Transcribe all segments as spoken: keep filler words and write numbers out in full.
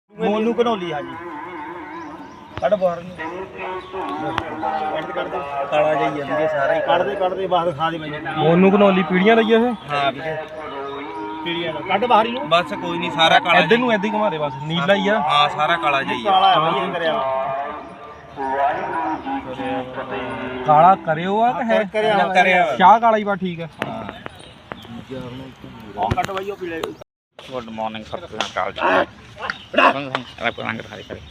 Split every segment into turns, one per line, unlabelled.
मोनू घनौली हाँ जी कट बाहर काला जाइए सारा ही कटते कटते बाहर खा दे
मोनू घनौली पीढ़ियां रही है
हाँ पीढ़ियां कट बाहर ही बस कोई नहीं सारा काला
इधर नूं इधर घुमा दे बस नीला ही है
हाँ सारा काला जाइए काला है करया
काला करियो आ कि है
करया करया
शाह काला ही बा ठीक है
हां कट भाई ओ पीले
गुड मॉर्निंग सत श्रीकाल जी रंग रंग दिखाई करे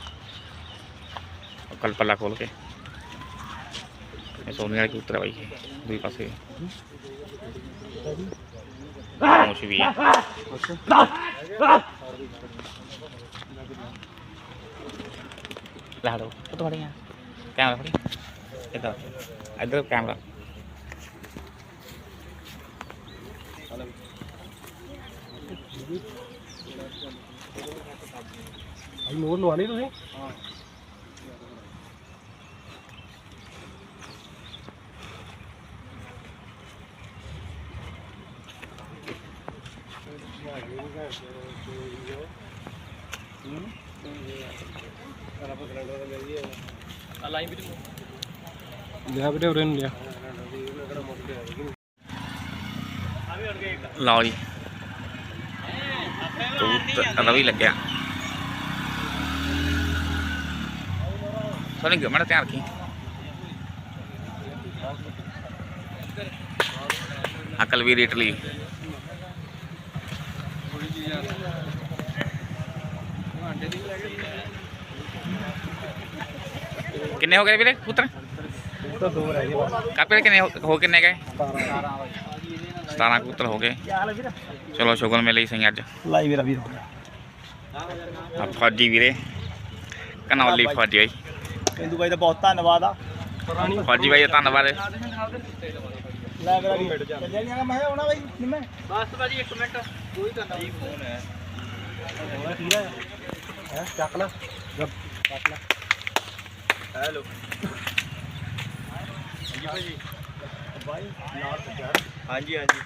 कल पल्ला खोल के सोने वाले कबूतर है भाई दुई पासे खामोशी भी है ला दो तो बड़ी है कैमरा फड़ी इधर इधर कैमरा
मोर लवानी तुसीं लिया बेटे उरे लिया
लो जी कबूतर रवि लग गया सोनी मैंने ध्यान रखी अकल भी इटली किन्ने हो गए वीरे कबूतर कापे किन्ने हो किन्ने गए सतारह कबूतर हो गए चलो शुगर मिले सही अज
लाई मेरा वीर
फौजी वीरे घनौली फौजी भाई
इंदू भाई का बहुत धन्यवाद आ
फौजी भाई धन्यवाद
लै मेरा वीर चलिया नहीं मैं आना भाई निम्मे बस भाजी एक मिनट कोई करना जी फोन है होना ठीक है हैं चक ला जब चक ला हेलो जी भाई भाई लाल सजार हां जी हां जी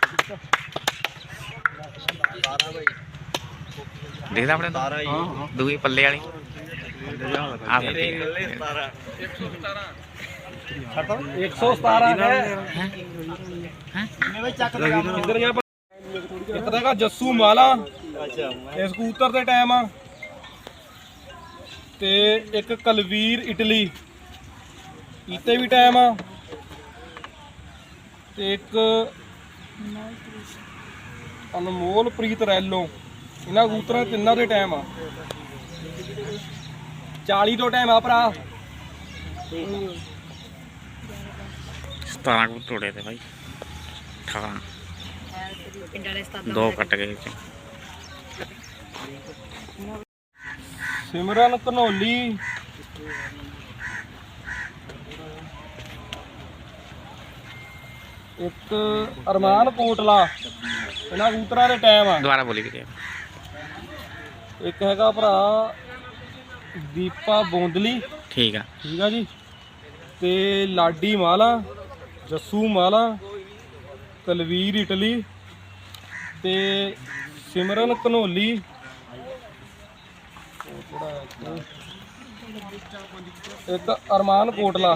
सारा भाई
देखदा अपने
सारा ही
दूई पल्ले वाली आ
एक सौ सतारह है
भाई चक लगा
इधर यहाँ पर एक तरह का जस्सू माला
अच्छा
इस कबूतर दे टाइम आ ते एक कलवीर इटली इते भी टाइम आ ते एक अनमोल प्रीत रैलो इन्हां कबूतरां तिन्नां दे टाइम आ चालीस तो टाइम आ भरा
सतारह कबूतर उड़े थे भाई अठारह दो कट गए
सिमरन घनौली एक अरमान कोटला इन्हां कबूतरां दे टाइम आ
दोबारा बोली भी
एक हैगा भरा दीपा बोंदली
ठीक है
ठीक है जी ते लाडी माला जस्सू माला कलवीर इटली ते सिमरन घनौली एक अरमान कोटला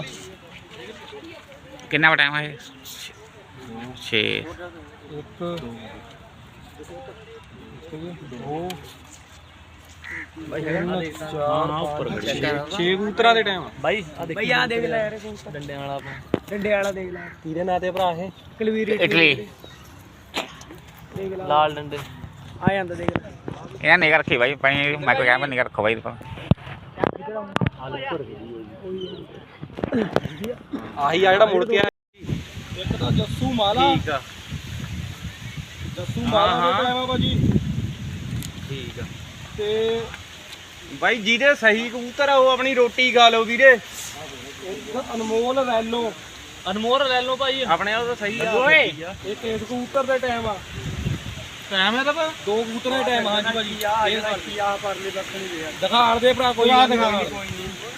कितना टाइम है छे
एक दो छे कबूतरां दे टाइम
भाई
भाई आ देख ले यार डंडे वाला डंडे वाला देख ले
तीरे ना ते भरा है
कलवीर
इटली
देख ले लाल डंडे आ ਜਾਂਦਾ देख ले
यार निगाह रखी भाई पानी मैं को कैमरा निगाह रखो भाई
आही आ जेड़ा मुड़ के आया एक तो जस्सू माला
ठीक है
जस्सू माला दे टाइम आ भाजी
ठीक है
ते
भाई ਜਿਹਦੇ ਸਹੀ ਕਬੂਤਰ ਆ ਉਹ ਆਪਣੀ ਰੋਟੀ ਖਾ ਲਓ ਵੀਰੇ
एक अनमोल रैलो
ਅਨਮੋਲ ਲੈ ਲਓ ਭਾਈ
ਆਪਣੇ ਉਹ ਤਾਂ ਸਹੀ ਆ
ਓਏ
एक इस कबूतर दे टाइम आ
ਟਾਈਮ ਹੈ ਤਾਂ
दो कबूतर दे टाइम आ हां जी भाजी
ਆ ਇਹ ਆ ਪਰਲੇ ਬੱਖ ਨਹੀਂ ਦੇ
दिखा दे भरा कोई
ਆ
दिखा
ਦਿਖਾਵਾਂਗੇ ਕੋਈ ਨਹੀਂ